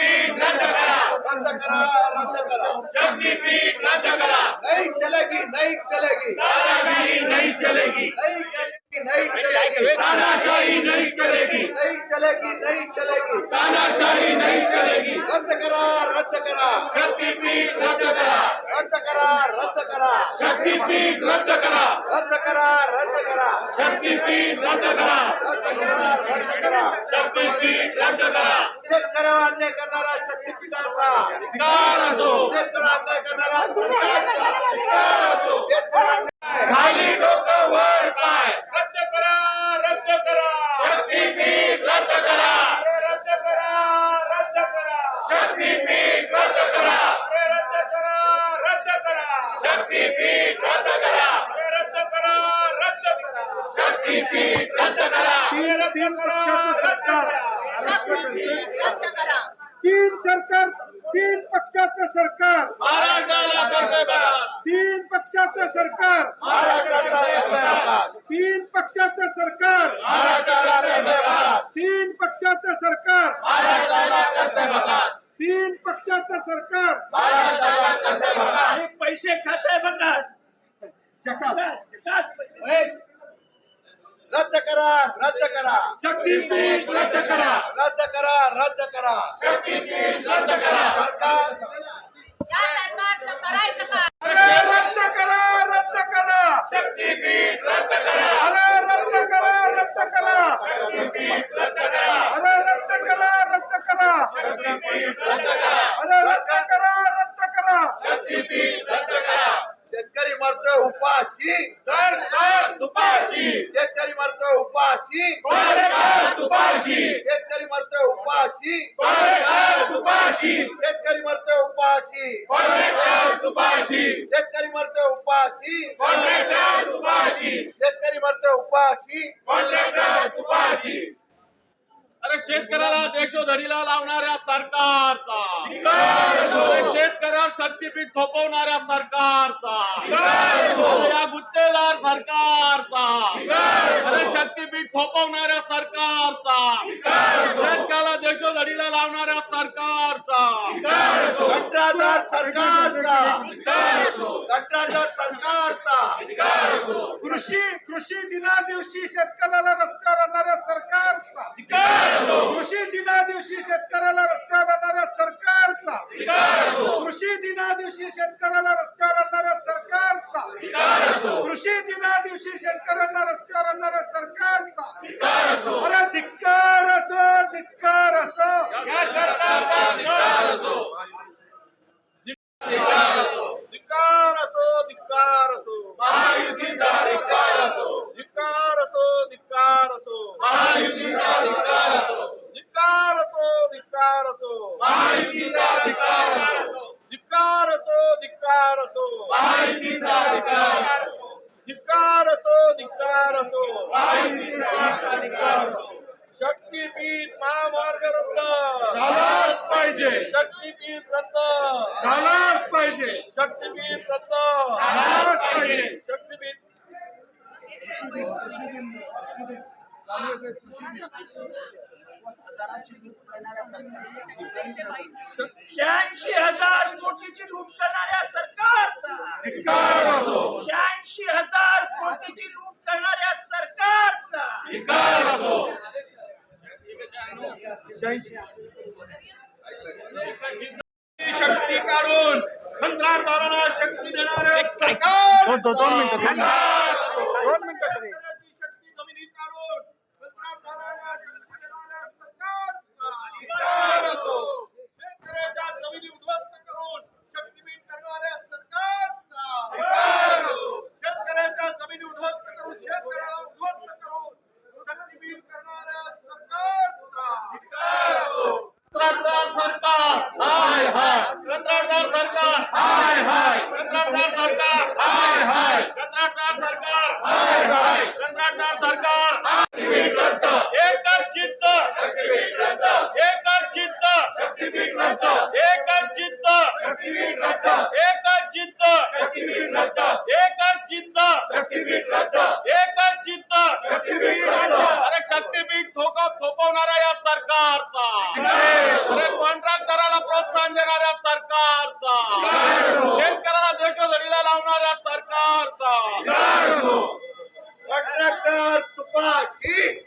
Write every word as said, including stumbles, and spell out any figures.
शक्तिपीठ रद्द करा, रद्द करा, रद्द करा। शक्तिपीठ रद्द करा, नहीं चलेगी, नहीं चलेगी, दादागिरी नहीं चलेगी, नहीं चलेगी, नहीं चलेगी, तानाशाही नहीं चलेगी, नहीं चलेगी, नहीं चलेगी, तानाशाही नहीं चलेगी, रद्द करा, रद्द करा, शक्तिपीठ रद्द करा, रद्द करा, रद्द करा, शक्तिपीठ रद्द करा, रद्द करा, रद्द करा, शक्तिपीठ रद्द करा, रद्द करा, रद्द करा। शक्तिपीठ रद्द करा, शेतकऱ्यावर अन्याय करणारा शक्तीपीठाचा धिक्कार असो, शेतकऱ्यावर अन्याय करणारा सरकारचा धिक्कार असो, शेतकऱ्यावर अन्याय खाली डोकं वर पाय, रद्द करा रद्द करा शक्तिपीठ रद्द करा, रद्द करा रद्द करा शक्तिपीठ रद्द करा, रद्द करा रद्द करा शक्तिपीठ रद्द करा, रद्द करा रद्द करा शक्तिपीठ रद्द करा, तीन पक्षाचं सरकार रद्द करा तीन सरकार तीन पक्षाचं सरकार महाराष्ट्राला कर्तव्य, तीन पक्षाचं सरकार महाराष्ट्राचा कर्तव्य, तीन पक्षाचं सरकार महाराष्ट्राला कर्तव्य, तीन पक्षाचं सरकार महाराष्ट्राला कर्तव्य, तीन पक्षाचं सरकार महाराष्ट्राला कर्तव्य। पैसे खात आहे बघास रद्द करा, रद्द करा, शक्तीपीठ रद्द करा रद्द करा, रद्द करा। शक्तिपीठ रद्द करा, सरकार या सरकारचं करायचं काय? अरे रद्द करा रद्द करा शक्तिपीठ रद्द करा, अरे रद्द करा रद्द करा शक्तिपीठ रद्द करा, अरे रद्द करा रद्द करा शक्तिपीठ रद्द करा, अरे रद्द करा रद्द करा शक्तिपीठ रद्द करा, शेतकरी मरतोय उपाशी, सरकार तुपाशी, शेतकरी मरतोय उपाशी, सरकार तुपाशी, शेतकरी मरतोय उपाशी, सरकार तुपाशी, शेतकरी मरतोय उपाशी, कॉन्ट्रॅक्टर तुपाशी, शेतकरी मरतोय उपाशी, कॉन्ट्रॅक्टर तुपाशी, शेतकरी मरतोय उपाशी। कॉन्ट्रॅक्टर तुपाशी. अरे शेतकऱ्याला देशोधडीला लावणाऱ्या सरकारचा, अरे शेतकऱ्यावर शक्तीपीठ थोपवणाऱ्या सरकारचा, अरे या गुत्तेदार सरकारचा, अरे शक्तीपीठ थोपवणाऱ्या सरकारचा, शेतकऱ्याला देशोधडीला लावणाऱ्या सरकारचा, कंत्राटदार सरकारचा, कंत्राटदार सरकारचा, कृषी कृषी दिना दिवशी शेतकऱ्याला रस्त्यावर आणणाऱ्या सरकारचा कृषी दिना दिवशी शेतकऱ्याला रस्त्यावर आणणाऱ्या सरकारचा कृषी दिना दिवशी शेतकऱ्याला रस्त्यावर आणणाऱ्या सरकारचा कृषी दिना दिवशी शेतकऱ्यांना रस्त्यावर आणणाऱ्या सरकारचा अरे धिक्कार असो धिक्कार असो या सरकारचा धिक्कार असो, धिक्कार असो, धिक्कार असो, धिक्कार असो, महायुतीचा धिक्कार असो, धिक्कार असो, धिक्कार असो, महायुतीचा धिक्कार असो, धिक्कार असो, धिक्कार असो, महायुतीचा धिक्कार असो, धिक्कार असो, धिक्कार असो, महायुतीचा धिक्कार असो, धिक्कार असो, धिक्कार असो, महायुतीचा धिक्कार असो. शक्तीपीठ महामार्ग रद्द झालाच पाहिजे शक्तीपीठ रद्द झालाच पाहिजे शक्तीपीठ रद्द झालाच पाहिजे शक्तीपीठ शहाऐंशी हजार कोटीची लूट करणाऱ्या सरकारचा धिक्कार असो, शहाऐंशी हजार कोटीची लूट करणाऱ्या सरकारचा धिक्कार असो, शक्ती काढून कंत्राटदारांना शक्ती देणारे सरकार दोन मिनिटं दोन मिनिटं तरी शक्ती जमिनीत काढून कंत्राटदारांना शक्ती देणाऱ्या सरकारचा धिक्कार असो, शेतकऱ्याच्या जमिनी उद्ध्वस्त करून शक्तीपीठ करणाऱ्या सरकारचा धिक्कार असो, शेतकऱ्याच्या जमिनी उद्ध्वस्त करून शेतकऱ्याला उद्ध्वस्त करून शक्तीपीठ करणाऱ्या सरकारचा धिक्कार असो. कंत्राटदार सरकार हाय हाय, कंत्राटदार सरकार हाय हाय, कंत्राटदार सरकार हाय हाय, कंत्राटदार सरकार सरकारचा कंत्राटदार तुपाची